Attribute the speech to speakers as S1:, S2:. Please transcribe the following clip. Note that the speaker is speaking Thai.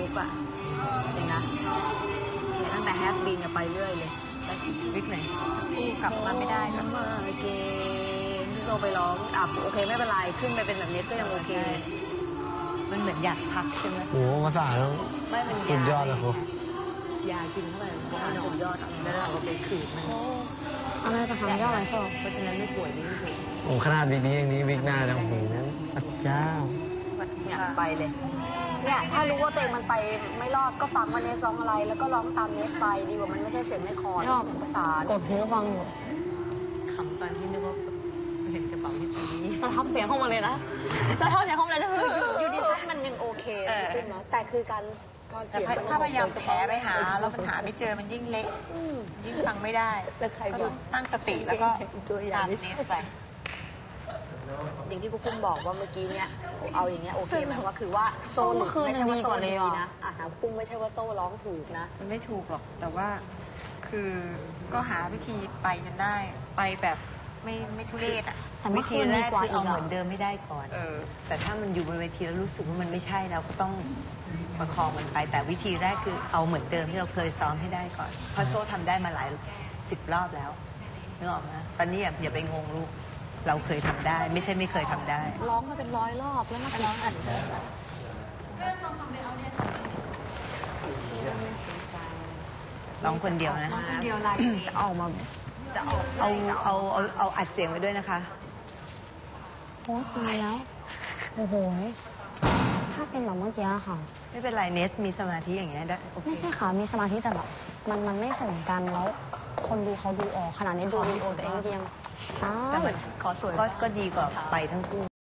S1: กอะเองนะเนี่ยตั้งแต่แฮปปี้เนี่ยไปเรื่อยเลยไปวิกไหนคู่กลับมาไม่ได้ก็มาเกมที่โซไปร้องโอเคไม่เป็นไรขึ้นไปเป็นแบบนี้ก็ยังโอเคมันเหมือนอยากพักใช่ไหม
S2: โอ้ภาษาแล้วสุดยอดเลยครู
S1: ยากินเข้าไปมันสุดยอดแล้วเราก็ไปขืนมัน
S3: อะไรจะทำยอดอะไรก็
S1: เพราะฉะนั้นไม่ป่วยนี่จริง
S2: โอ้ขนาดนี้อย่างนี้วิกหน้าจะโอ้โหพระเจ้า
S1: อยากไปเลยเนี่ยถ้ารู้ว่าตัวเองมันไปไม่รอดก็ฟังว่าเนสร้องอะไรแล้วก็ร้องตามเนสไปดีกว่ามันไม่ใช่เสียงในคอร์ดเสียงประสาน
S3: กดหูฟังอยู่
S1: ขำตอนที่นึกว่าเห็นกระเป๋าที่ตี
S3: เราทำเสียงเข้ามาเลยนะเราทำเสียงเข้ามาเลยนะ
S1: ยูดิซัสมันยังโอเคขึ้นเนาะแต่คือการเสียง
S4: ถ้าพยายามแผลไปหาแล้วมันหาไม่เจอมันยิ่งเล็กยิ่งฟังไม่ได้
S1: แล้วใครบอก
S4: ตั้งสติแล้วก็
S1: ตัวอย่า
S4: ตาง ม
S1: นี้
S4: เนสไป
S1: อย่างที่ครูปุ้มบอกว่าเมื่อกี้เนี่ยเอาอย่างเงี้ยโอเคไหมว่าคือว่าโซ่หลุดไม่ใช่ว่าโซ่ดีนะครูปุ้มไม่ใช่ว่าโซ่ร้องถูกนะ
S4: มันไม่ถูกหรอกแต่ว่าคือก็หาวิธีไปจนได้ไปแบบไม่ทุเรศอ่ะ
S3: แต่เมื่
S5: วิ
S3: อ
S5: ธี
S3: คืน
S5: แร
S3: ดี
S5: ก
S3: กว่า
S5: คือ
S3: อี
S5: เอา
S3: ก
S5: เหมือนเดิมไม่ได้ก่อน แต่ถ้ามันอยู่บนเวทีแล้วรู้สึกว่ามันไม่ใช่เราก็ต้องประคองมันไป แต่วิธีแรกคือเอาเหมือนเดิมที่เราเคยซ้อมให้ได้ก่อน เพราะโซ่ทำได้มาหลาย10 รอบแล้วนึกออกไหมตอนนี้อย่าไปงงลูก เราเคยทำได้ ไม่ใช่ไม่เคยทำได้
S3: ร้องมาเป็น100 รอบแล้วมาร้องอัดเลย
S5: ร้องคนเดียวนะ
S4: คนเดียวลายนี้
S3: ออกมา
S5: เอาอัดเสียงไว้ด้วยนะคะ
S3: โอ้ตายแล้วโอ้โหถ้าเป็นแบบเมื่อกี้ค่ะ
S5: ไม่เป็นไรเนสมีสมาธิอย่างเงี้ยได้โอเค
S3: ไม่ใช่ค่ะมีสมาธิแต่แบบมันไม่ส่งกันแล้ว คนดูเขาดูออกขนาดนี้ดูวิดีโอตัวเองยัง
S5: แต่มัน
S1: ขอสวย
S5: ก็ดีกว่าไปทั้งคู่